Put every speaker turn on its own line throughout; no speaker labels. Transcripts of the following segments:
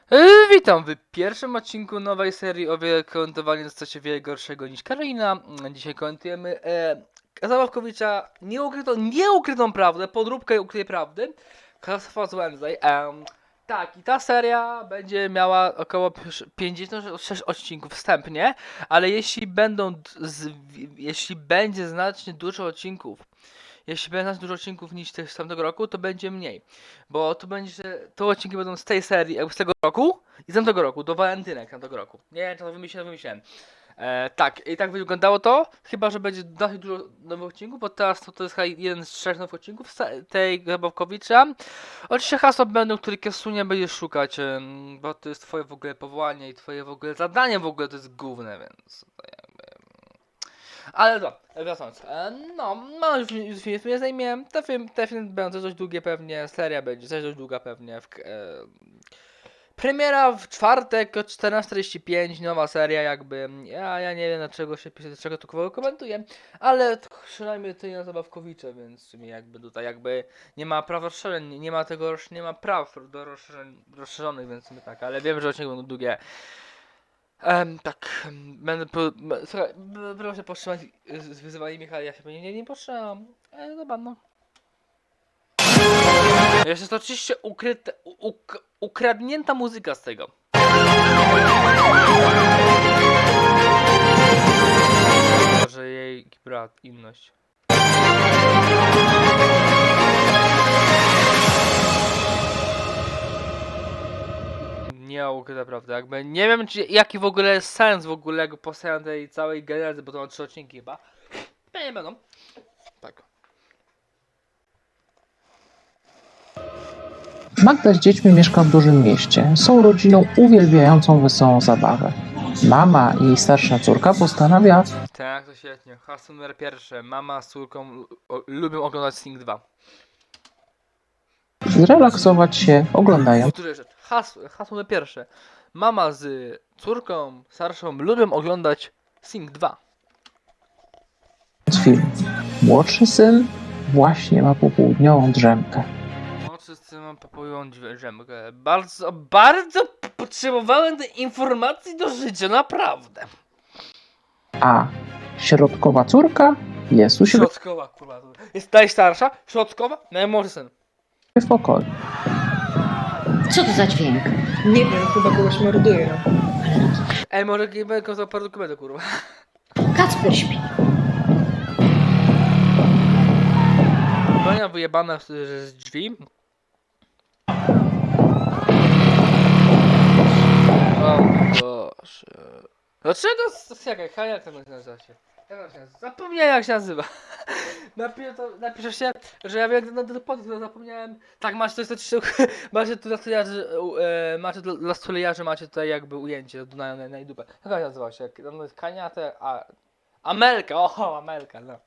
Witam w pierwszym odcinku nowej serii o wiele komentowania jest coś wiele gorszego niż Karolina. Dzisiaj komentujemy Zabawkowicza nieukrytą prawdę, podróbkę ukrytej prawdy. Last of Wednesday. Tak, i ta seria będzie miała około 56 odcinków wstępnie, ale jeśli będzie znacznie dużo odcinków, jeśli będzie nas dużo odcinków niż tych z tamtego roku, to będzie mniej. Bo to będzie, że te odcinki będą z tej serii, jakby z tego roku i z tamtego roku, do walentynek tamtego roku. Nie wiem, czy to wymyśliłem. Tak, i tak wyglądało to, chyba że będzie dosyć dużo nowych odcinków, bo teraz to jest chyba jeden z 3 nowych odcinków tej Zabawkowicza. Oczywiście hasła będą, które Kiesunie będziesz szukać, bo to jest twoje w ogóle powołanie i twoje w ogóle zadanie w ogóle to jest główne, więc to jakby... Ale dobra, wracając. No już film nie zajmie. Te film będzie dość długie pewnie, seria będzie też dość długa pewnie. Premiera w czwartek o 14:45, nowa seria jakby. Ja nie wiem dlaczego się pisze, dlaczego to komentuję, ale przynajmniej to nie na Zabawkowicze, więc w sumie jakby tutaj jakby nie ma praw rozszerzeń, nie ma praw do rozszerzonych, więc sobie tak, ale wiem, że odcinki będą długie. Tak, słuchaj, proszę powstrzymać z wyzywaniem Michała, ja się pewnie nie powstrzymam. Dobra, no. Jest to oczywiście ukradnięta muzyka z tego. Może jej brat, inność. Nie ukryta prawda, jakby nie wiem jaki w ogóle jest sens w ogóle jakby powstania tej całej genezy, bo to ma 3 odcinki chyba. Nie będą. Tak.
Magda z dziećmi mieszka w dużym mieście. Są rodziną uwielbiającą wesołą zabawę. Mama i jej starsza córka postanawia
Tak, to świetnie. Hasło numer pierwsze. Mama z córką lubią oglądać Sing 2.
zrelaksować się oglądając
Powtórzę rzecz. Hasło numer pierwsze. Mama z córką starszą lubią oglądać Sing 2.
film. Młodszy syn właśnie ma popołudniową drzemkę.
No, wszyscy mam popojują drzemkę. Bardzo potrzebowałem tej informacji do życia, naprawdę.
A środkowa córka jest u siebie
Środkowa, kurwa. Jest najstarsza, środkowa, najmłodszy syn.
w pokoju.
Co to za dźwięk?
Nie wiem, chyba kogoś morduje.
Może będę za parę dokumentów, kurwa.
Kacper śpi.
Bania wyjebana z drzwi. O Boże. Dlaczego? Jak to nazywa się? Zapomniałem jak się nazywa. Napiszę się, że ja wiem na podpis, zapomniałem. Tak, macie to jest macie tu dla stulejarzy macie tutaj jakby ujęcie na dupę. Jak to nazywa się? To jest Kaniate, Amelka, Amelka, no.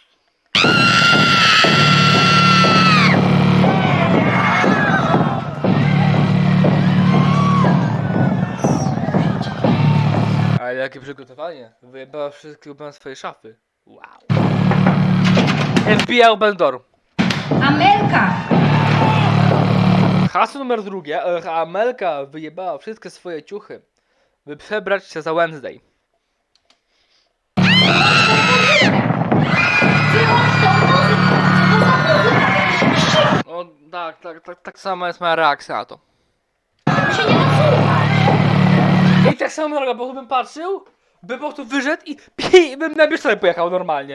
Ale jakie przygotowanie. Wyjebała wszystkie ulubione swoje szafy. Wow. FBI Open Door.
Amelka!
Hasło numer drugie. Amelka wyjebała wszystkie swoje ciuchy, by przebrać się za Wednesday. O, tak sama jest moja reakcja na to. I tak samo droga, bo bym patrzył, bym po prostu wyszedł i bym na bieżnię pojechał normalnie.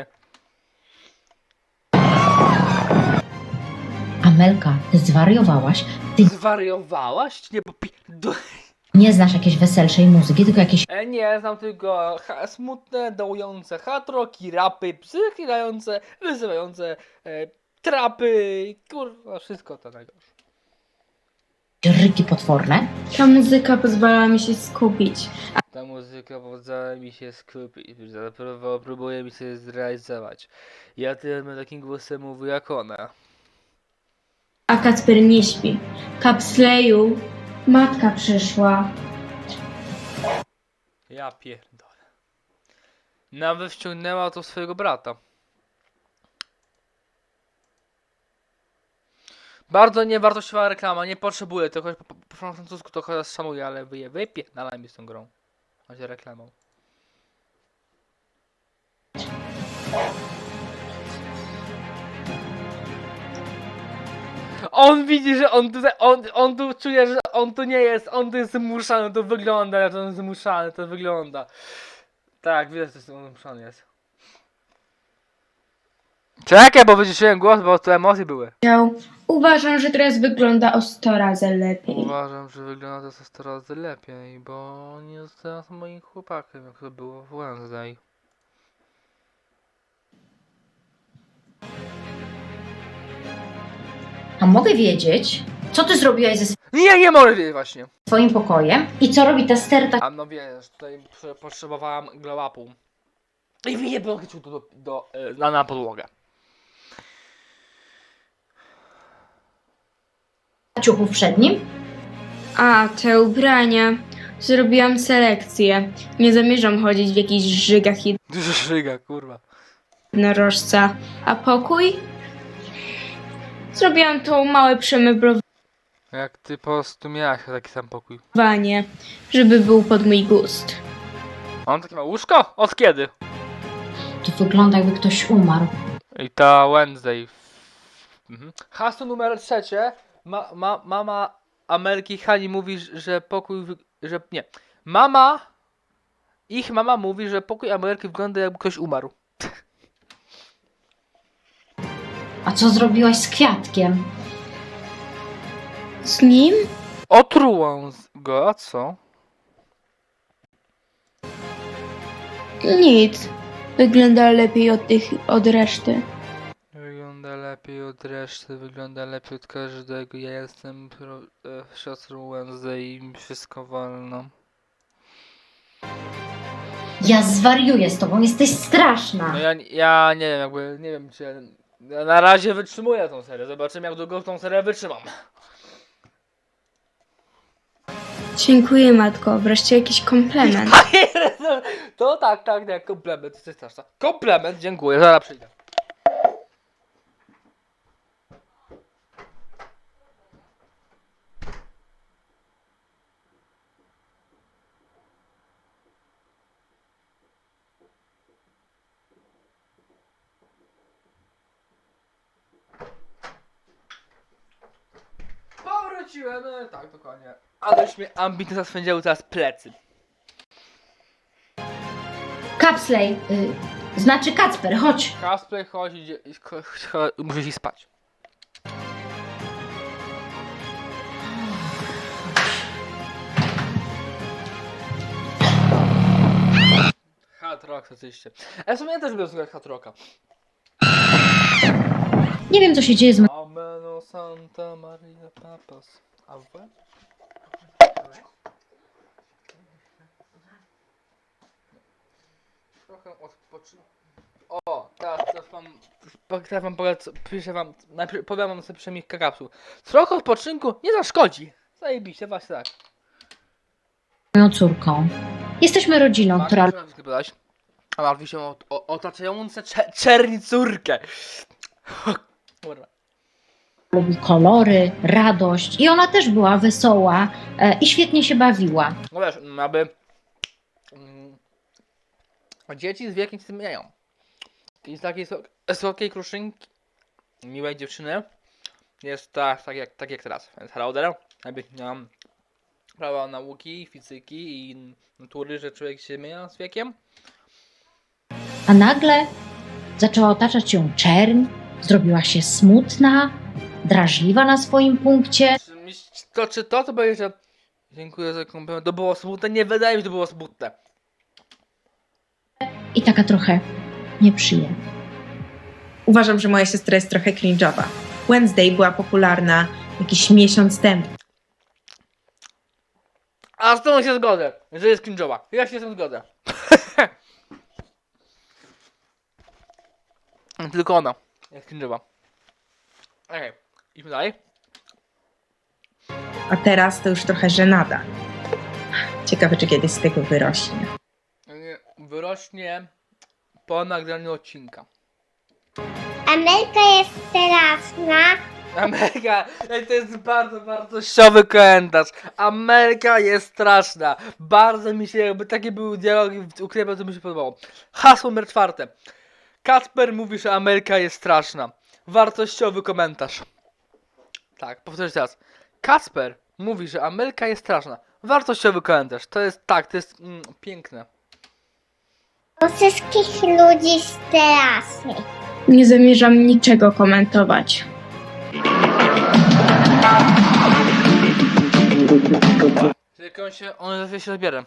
Amelka, ty zwariowałaś? Ty
Zwariowałaś? Nie,
nie znasz jakiejś weselszej muzyki, tylko jakieś
Nie, znam tylko smutne, dołujące hatroki, rapy, psychilające, wyzywające trapy, kurwa, wszystko to najgorsze.
ryki potworne.
Ta muzyka pozwala mi się skupić.
Ta muzyka pozwala mi się skupić, próbuje mi się zrealizować. Ja tym takim głosem mówię jak ona.
A Kacper nie śpi. Kapsleju, matka przyszła.
Ja pierdolę. Nawet wciągnęła to swojego brata. Bardzo niewartościowa reklama, nie potrzebuję tego, po francusku to chyba szanuję, ale wypierdalaj mi z tą grą. Macie reklamą. On widzi, że on tu czuje, że on tu nie jest, on tu jest zmuszany, to wygląda, jak on jest zmuszany, to wygląda. Tak, widać, że on zmuszany jest. Czekaj, bo wyciszyłem głos, bo tu emocje były.
Uważam, że teraz wygląda o 100 razy lepiej.
Uważam, że wygląda to 100 razy lepiej, bo nie jest teraz moim chłopakiem, jak to było w Wednesday.
A mogę wiedzieć, co ty zrobiłaś ze
Nie mogę wiedzieć właśnie.
swoim pokojem i co robi ta sterta
A no wiesz, tutaj potrzebowałam glow upu. I mi nie podchodził na podłogę.
ciuchów przed nim?
A, te ubrania. Zrobiłam selekcję. Nie zamierzam chodzić w jakichś żygach
Dużo szyga, kurwa.
jednorożca. A pokój? Zrobiłam to małe przemeblowanie,
Jak ty po prostu miałaś taki sam pokój.
żeby był pod mój gust.
On takie ma łóżko? Od kiedy?
To wygląda, jakby ktoś umarł.
I ta Wednesday. Hasło numer 3. Mama Ameryki Hani mówi, że pokój. Nie. Ich mama mówi, że pokój Ameryki wygląda, jakby ktoś umarł.
A co zrobiłaś z kwiatkiem?
Z nim?
Otrułam go, a co?
Nic. Wygląda lepiej od reszty.
Wygląda lepiej od reszty, wygląda lepiej od każdego. Ja jestem siostrą Wednesday i mi wszystko wolno.
Ja zwariuję z tobą, jesteś straszna.
No ja nie wiem, jakby, nie wiem czy ja na razie wytrzymuję tą serię. Zobaczymy, jak długo tą serię wytrzymam.
Dziękuję, matko. Wreszcie jakiś komplement.
To tak, komplement, jesteś straszna. Komplement, dziękuję, zaraz przyjdę. Powróciłem, no tak, dokładnie. Aleś mnie ambitnie zaswędziały teraz plecy.
Kapsley, znaczy Kacper, chodź.
Cosplay chodzi, muszę iść spać. Hard Rock oczywiście. Ale w sumie ja też lubię słuchać Hard Rocka.
Nie wiem, co się dzieje z
Ameno Santa Maria Papas. A w? Trochę odpoczynę. O, teraz wam piszę wam, najpierw powiem wam sobie przynajmniej kakapsu. Trochę odpoczynku nie zaszkodzi. Zajebiście, właśnie tak.
moją córką. Jesteśmy rodziną, która
A martwi się o otaczające czerni córkę. Kurwa.
lubi kolory, radość i ona też była wesoła i świetnie się bawiła.
No wiesz, aby dzieci z wiekiem się zmieniają. I z takiej słodkiej kruszynki, miłej dziewczyny, jest tak jak teraz. Więc Harauder, jakby miałam prawa nauki, fizyki i natury, że człowiek się zmienia z wiekiem.
A nagle zaczęła otaczać ją czerń, zrobiła się smutna, drażliwa na swoim punkcie.
Czy to będzie, że dziękuję za komplement. To było smutne? Nie wydaje mi się, że to było smutne.
I taka trochę nieprzyjemna.
Uważam, że moja siostra jest trochę cringe'owa. Wednesday była popularna jakiś miesiąc temu.
A z tą się zgodzę, że jest cringe'owa. Ja się z tym zgodzę. Tylko ona jest cringe'owa. Okej, idźmy dalej.
A teraz to już trochę żenada. Ciekawe, czy kiedyś z tego wyrośnie.
Wyrośnie po nagraniu odcinka.
Ameryka jest straszna,
Ameryka, to jest bardzo wartościowy komentarz. Ameryka jest straszna. Bardzo mi się, jakby takie były dialogi w Ukrainie, to mi się podobało. Hasło numer 4. Kacper mówi, że Ameryka jest straszna. Wartościowy komentarz. Tak, powtórzę teraz. Kacper mówi, że Ameryka jest straszna. Wartościowy komentarz. To jest, tak, to jest piękne.
Do wszystkich ludzi strasznie.
Nie zamierzam niczego komentować.
Jak on się zabierze.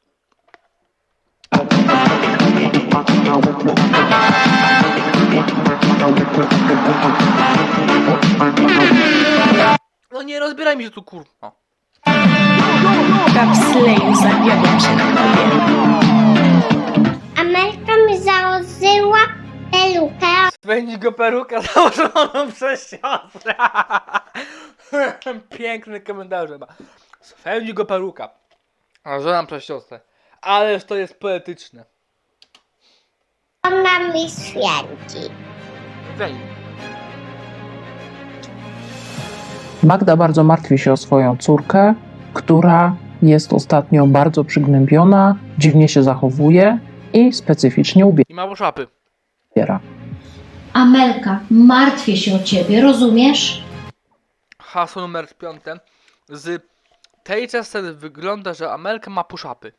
No nie rozbieraj mi się tu kurwa.
Kapsleju, zawiodłem się na tobie.
Ameryka mi założyła pelukę.
Spędzi go peruka założoną przez siostrę. Piękny komentarz chyba. Spędzi go peruka założoną przez siostrę. Ależ to jest poetyczne.
Ona mi święci.
Weź.
Magda bardzo martwi się o swoją córkę, która jest ostatnio bardzo przygnębiona, dziwnie się zachowuje i specyficznie
I mało szapy.
ubiera.
Amelka, martwię się o ciebie, rozumiesz?
Hasło numer 5. Z tej sceny wygląda, że Amelka ma puszapy.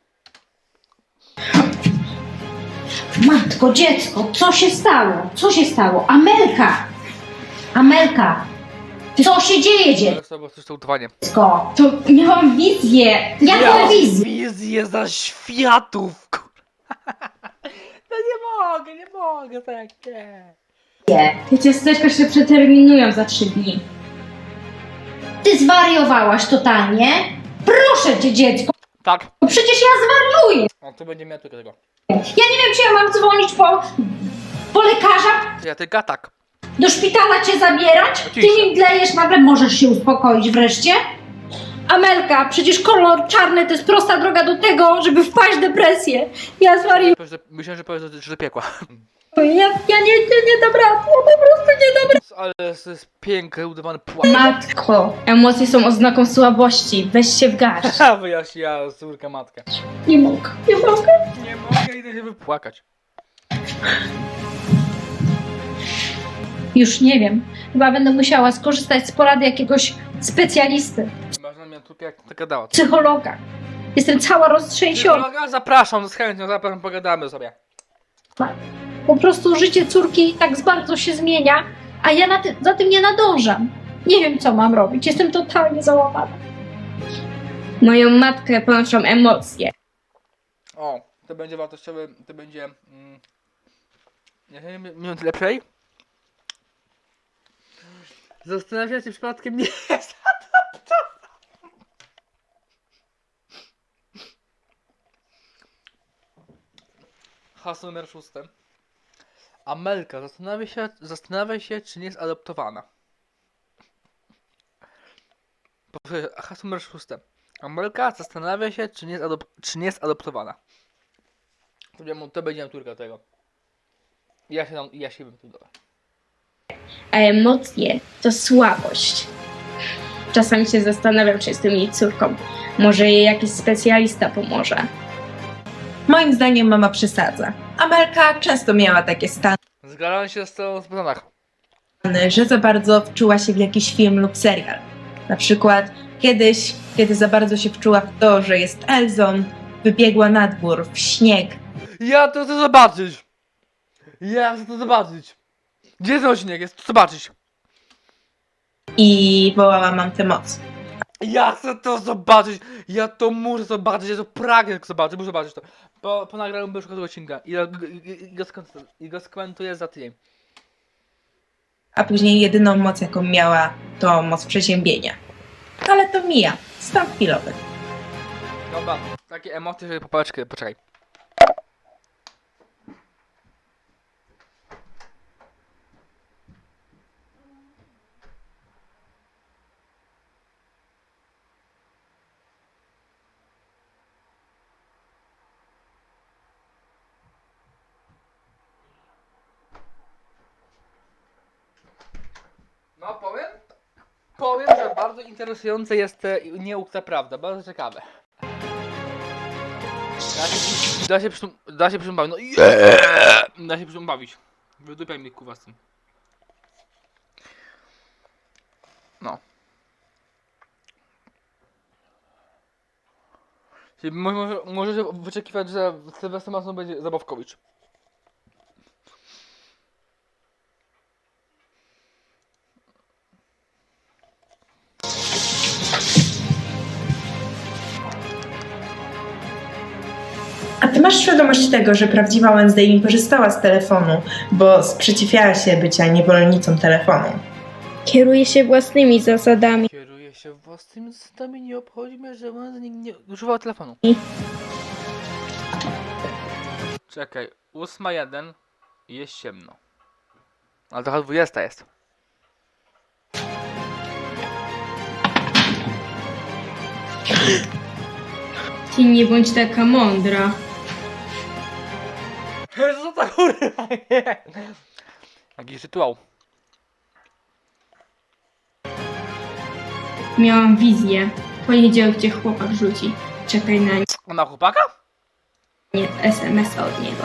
Matko, dziecko, co się stało? Co się stało? Amelka! Amelka! Co się dzieje,
To było coś to utowanie.
dziecko?
To miałam wizję.
Jaką wizję?
Wizję za światów, kur... No nie mogę, tak nie.
Te ciasteczka się przeterminują za 3 dni.
Ty zwariowałaś totalnie? Proszę cię, dziecko,
Tak.
przecież ja zwariuję!
O, tu będzie miał tylko tego.
Ja nie wiem, czy ja mam dzwonić po lekarza,
Ja tylko tak.
do szpitala cię zabierać? Ty
Oczywiście.
mi mdlejesz nagle, możesz się uspokoić wreszcie?
Amelka, przecież kolor czarny to jest prosta droga do tego, żeby wpaść w depresję. Ja zwariuję.
Myślałem, że powiesz, że do piekła.
Ja nie dam rady. Ja po prostu nie dam rady.
Ale to jest piękny, udawany płacz.
Matko, emocje są oznaką słabości. Weź się w garść.
Wyjaśniła córka matkę.
Nie mogę.
Nie mogę, idę się wypłakać.
Już nie wiem. Chyba będę musiała skorzystać z porady jakiegoś specjalisty,
Masz na mnie córkę jak taka dała.
psychologa. Jestem cała roztrzęsiona.
Psychologa? Zapraszam, z chęcią, zapraszam, pogadamy sobie.
Po prostu życie córki tak bardzo się zmienia, a ja za tym nie nadążam. Nie wiem, co mam robić. Jestem totalnie załamana.
Moją matkę ponoszą emocje.
O, to będzie wartościowy, to będzie... nie wiem, minut lepszej. Zastanawiam się, czy przypadkiem nie jest Hasło numer 6. Amelka zastanawia się, czy nie jest adoptowana. Hasło numer 6. Amelka zastanawia się, czy nie jest adoptowana. To będzie naturka tego. Ja się bym tu dodał.
A emocje to słabość. Czasami się zastanawiam, czy jestem jej córką. Może jej jakiś specjalista pomoże.
Moim zdaniem mama przesadza. Amelka często miała takie stany,
Zgadzam się z tą zbrodach.
że za bardzo wczuła się w jakiś film lub serial. Na przykład kiedyś, kiedy za bardzo się wczuła w to, że jest Elzą, wybiegła na dwór, w śnieg.
Ja to chcę zobaczyć! Ja chcę to zobaczyć! Gdzie ten odcinek jest? To zobaczyć!
I wołała mam tę moc.
Ja chcę to zobaczyć! Ja to muszę zobaczyć, ja to pragnę zobaczyć, muszę zobaczyć to. Po nagraniu będę szukał tego odcinka i go skomentuję za tydzień.
A później jedyną moc, jaką miała, to moc przeziębienia. Ale to mija. Stan chwilowy.
Dobra, takie emocje, że popałeczkę, poczekaj. No powiem, Bardzo interesujące jest nieukta prawda, bardzo ciekawe. Da się przy tym bawić, no da się przy tym bawić. Wydupiaj mi kuwa z tym. No. Czyli możecie wyczekiwać, że Sylwester Masson będzie Zabawkowicz.
A ty masz świadomość tego, że prawdziwa Wednesday nie korzystała z telefonu, bo sprzeciwiała się bycia niewolnicą telefonu.
Kieruje się własnymi zasadami.
Kieruje się własnymi zasadami, nie obchodzi mnie, że on nie używał telefonu. Czekaj, 8:01 i jest ciemno. Ale trochę 20 jest.
Ty nie bądź taka mądra.
Co to kurwa nie? Jakiś rytuał.
Miałam wizję. W poniedziałek cię chłopak rzuci. Czekaj na
Ona chłopaka?
nie SMS od niego.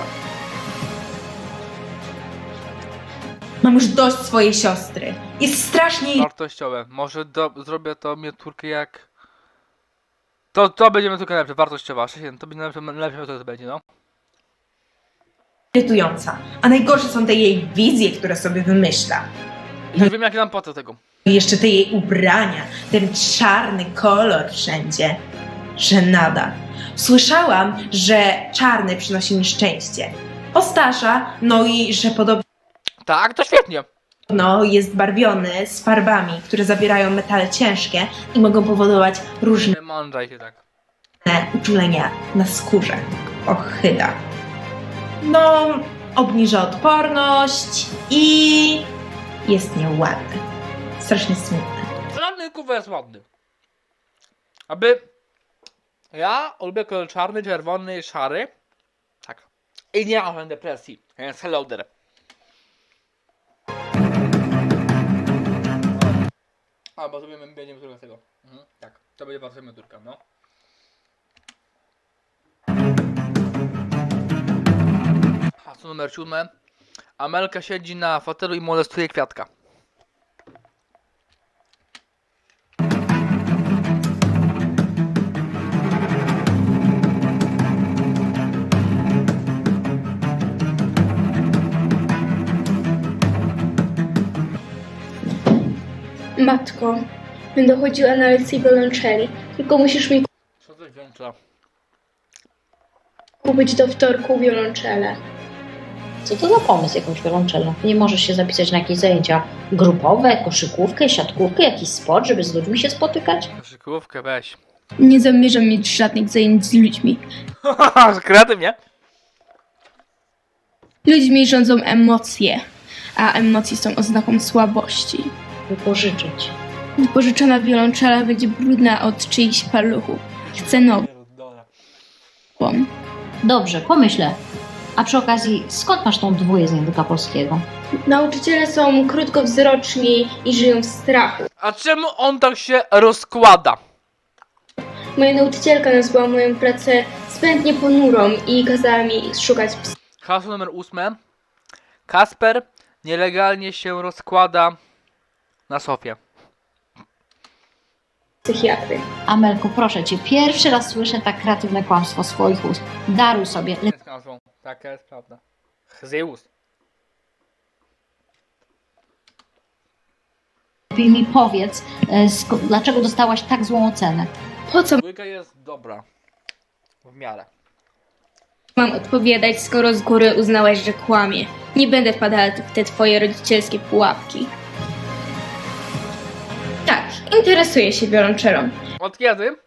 Mam już dość swojej siostry. Jest strasznie
Wartościowe. Może zrobię to miniaturkę jak... To będzie miniaturka lepsza, wartościowa. To będzie lepsza to będzie, no.
irytująca. A najgorsze są te jej wizje, które sobie wymyśla.
Już wiem jakie mam po tego.
I jeszcze te jej ubrania, ten czarny kolor wszędzie. Żenada. Słyszałam, że czarny przynosi nieszczęście. Ostarza, no i że podobno
Tak, to świetnie.
jest barwiony z farbami, które zawierają metale ciężkie i mogą powodować różne
Nie mądrzaj się tak.
uczulenia na skórze. Ochyda. No, obniża odporność i jest nieładny. Strasznie smutny.
Żadny kurwa jest ładny. Aby... Ja lubię kolor czarny, czerwony, szary. Tak. I nie mam depresji. Więc hello there. A, bo zrobimy miniaturkę z tego. Tak, to będzie bardzo miniaturka, no. Hasło numer 7. Amelka siedzi na fotelu i molestuje kwiatka.
Matko, będę chodziła na lekcję wiolonczeli. Tylko musisz mi
Co to włącza?
kupić do wtorku wiolonczelę.
Co to za pomysł, jakąś wiolonczelą? Nie możesz się zapisać na jakieś zajęcia grupowe, koszykówkę, siatkówkę, jakiś sport, żeby z ludźmi się spotykać?
Koszykówkę weź.
Nie zamierzam mieć żadnych zajęć z ludźmi.
Kreatywnie.
Ludźmi rządzą emocje, a emocje są oznaką słabości.
Wypożyczyć.
Wypożyczona wiolonczela będzie brudna od czyichś paluchów. Chcę nową.
Dobrze, pomyślę. A przy okazji, skąd masz tą dwóję z języka polskiego?
Nauczyciele są krótkowzroczni i żyją w strachu.
A czemu on tak się rozkłada?
Moja nauczycielka nazwała moją pracę zbędnie ponurą i kazała mi szukać
Hasło numer 8. Kasper nielegalnie się rozkłada na sofie.
psychiatry.
Amelko, proszę cię, pierwszy raz słyszę tak kreatywne kłamstwo swoich ust. Daruj sobie.
Jest nazwą. Taka jest prawda. Zeus.
Lepiej mi powiedz, dlaczego dostałaś tak złą ocenę.
Po co
Dwójka jest dobra. W miarę.
mam odpowiadać, skoro z góry uznałaś, że kłamie? Nie będę wpadała w te twoje rodzicielskie pułapki. Tak, interesuję się wiolonczelą.
Od kiedy?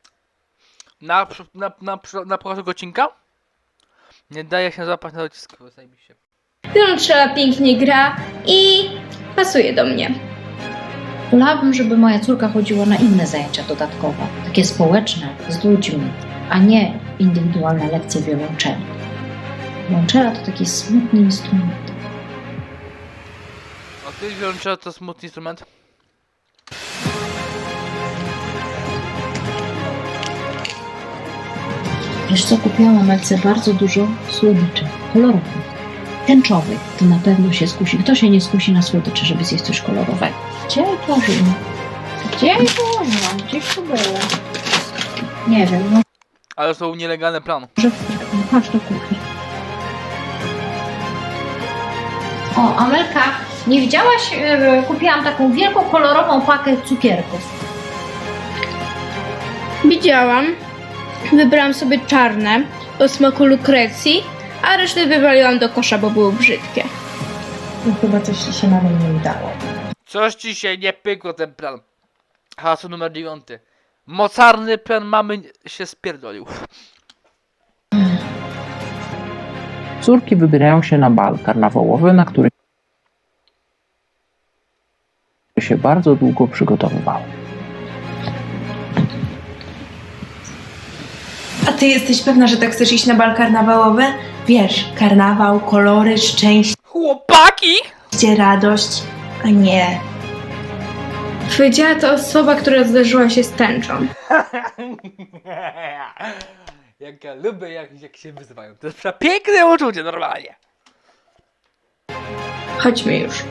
Na początku odcinka? Nie daje się złapać na docisku. Zajebiście.
Wiolonczela pięknie gra i pasuje do mnie.
Wolałabym, żeby moja córka chodziła na inne zajęcia dodatkowe, takie społeczne, z ludźmi, a nie indywidualne lekcje wiolonczeli. Wiolonczela to taki smutny instrument.
A ty wiolonczela to smutny instrument?
Wiesz co, kupiłam Amelce bardzo dużo słodyczy kolorowych. Tęczowych, to na pewno się skusi. Kto się nie skusi na słodyczy, żeby zjeść coś kolorowego? Gdzie je położyłam? Gdzie je położyłam? Gdzieś to było? Nie wiem, no
Ale to był nielegalny plan.
może chodź do kuchni. O, Amelka, nie widziałaś? Kupiłam taką wielką, kolorową pakę cukierków.
Widziałam. Wybrałam sobie czarne o smaku lukrecji, a resztę wywaliłam do kosza, bo były brzydkie.
No chyba coś ci się nawet nie udało.
Coś ci się nie pykło ten plan. Hasło numer 9. Mocarny plan mamy się spierdolił.
Córki wybierają się na bal karnawałowy, na który się bardzo długo przygotowywały.
A ty jesteś pewna, że tak chcesz iść na bal karnawałowy? Wiesz, karnawał, kolory, szczęście,
Chłopaki!
radość, a nie.
Powiedziała to osoba, która zderzyła się z tęczą.
Jak ja lubię, jak się wyzywają. To jest przepiękne uczucie, normalnie.
Chodźmy już.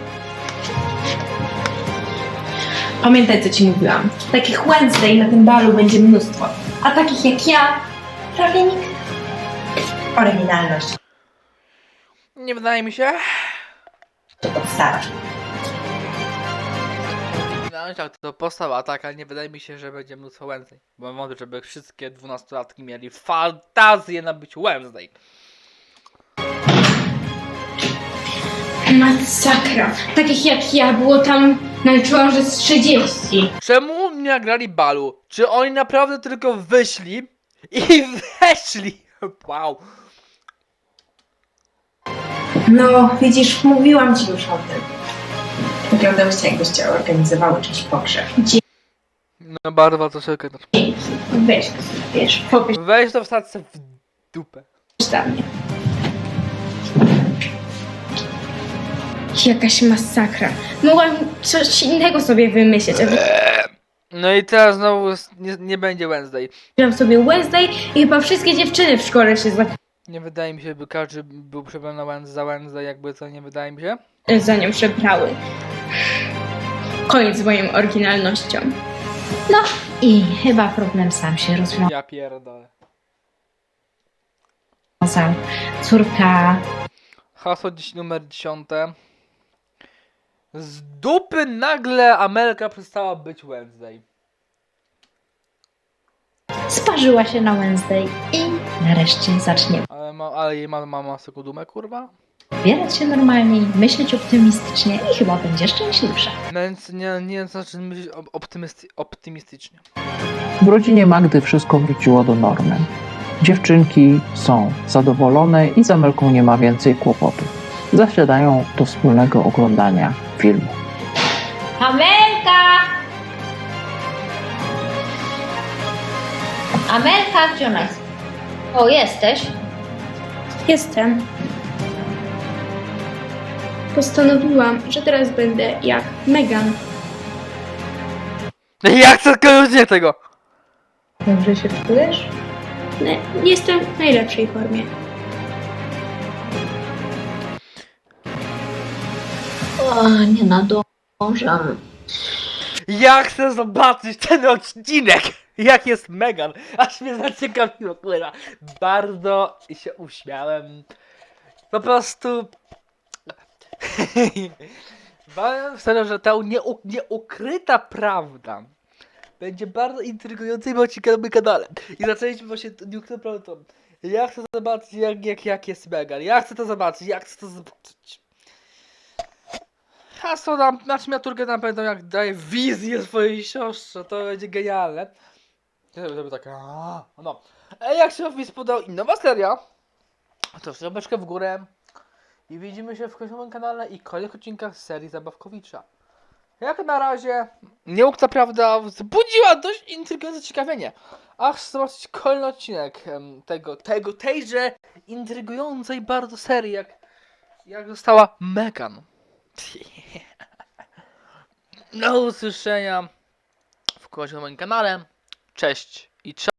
Pamiętaj, co ci mówiłam. Takich Wednesday na tym balu będzie mnóstwo, a takich jak ja prawie nikt. Oryginalność
Nie wydaje mi się.
to podstawa.
No tak, to postawa taka, nie wydaje mi się, że będzie mnóstwo Wednesday. Bo wątpię, żeby wszystkie 12-latki mieli fantazję na być Wednesday.
Masakra. Takich jak ja było tam, naliczyłam, że z 30.
Czemu nie nagrali balu? Czy oni naprawdę tylko wyszli i weszli? Wow.
No, widzisz, mówiłam ci już o tym. Wyglądałyście, jakbyście organizowały czyś pogrzeb.
No bardzo to sobie gadać.
Weź to sobie, wiesz, popisz
Weź to wstać w dupę.
dla mnie. Jakaś masakra. Mogłam coś innego sobie wymyśleć, a
No i teraz znowu nie będzie Wednesday.
wziąłam sobie Wednesday i chyba wszystkie dziewczyny w szkole się
Nie wydaje mi się, by każdy był przebrany na za Wednesday, jakby to nie wydaje mi się.
za nią przebrały. Koniec z moją oryginalnością.
No i chyba problem sam się
Ja pierdolę.
rozwiązał. Córka
Hasło numer 10. Z dupy nagle Amelka przestała być Wednesday.
sparzyła się na Wednesday i nareszcie zacznie
Ale jej mama sobie dumę, kurwa?
ubierać się normalniej, myśleć optymistycznie i chyba będzie szczęśliwsza.
Więc nie znaczy myśleć optymistycznie.
W rodzinie Magdy wszystko wróciło do normy. Dziewczynki są zadowolone i z Amelką nie ma więcej kłopotów. Zasiadają do wspólnego oglądania filmu.
Amelka! Amelka, gdzie ona jest? O, jesteś?
Jestem. Postanowiłam, że teraz będę jak Megan.
Ja chcę koniecznie tego!
Dobrze się czujesz?
Jestem w najlepszej formie.
O, nie nadążam.
Ja chcę zobaczyć ten odcinek! Jak jest Megan! Aż mnie zaciekawiło, kurwa. Bardzo się uśmiałem. Po prostu... Powiem szczerze, że ta nieukryta prawda będzie bardzo intrygującym odcinkiem na moim kanale. I zaczęliśmy właśnie nieukrytą prawdą. Ja chcę zobaczyć jak jest Megan. Ja chcę to zobaczyć, ja chcę to zobaczyć. Hasło na miniaturkę na pewno jak daje wizję swojej siostrze, to będzie genialne. Żeby tak, no. Jak się mi spodobał inna seria, to łapeczkę w górę i widzimy się w kolejnym kanale i kolejnych odcinkach z serii Zabawkowicza. Jak na razie, nieukryta prawda wzbudziła dość intrygujące ciekawienie. Aż zobaczyć kolejny odcinek tejże intrygującej bardzo serii, jak została Megan. Do usłyszenia w kolejnym moim kanale. Cześć i cześć.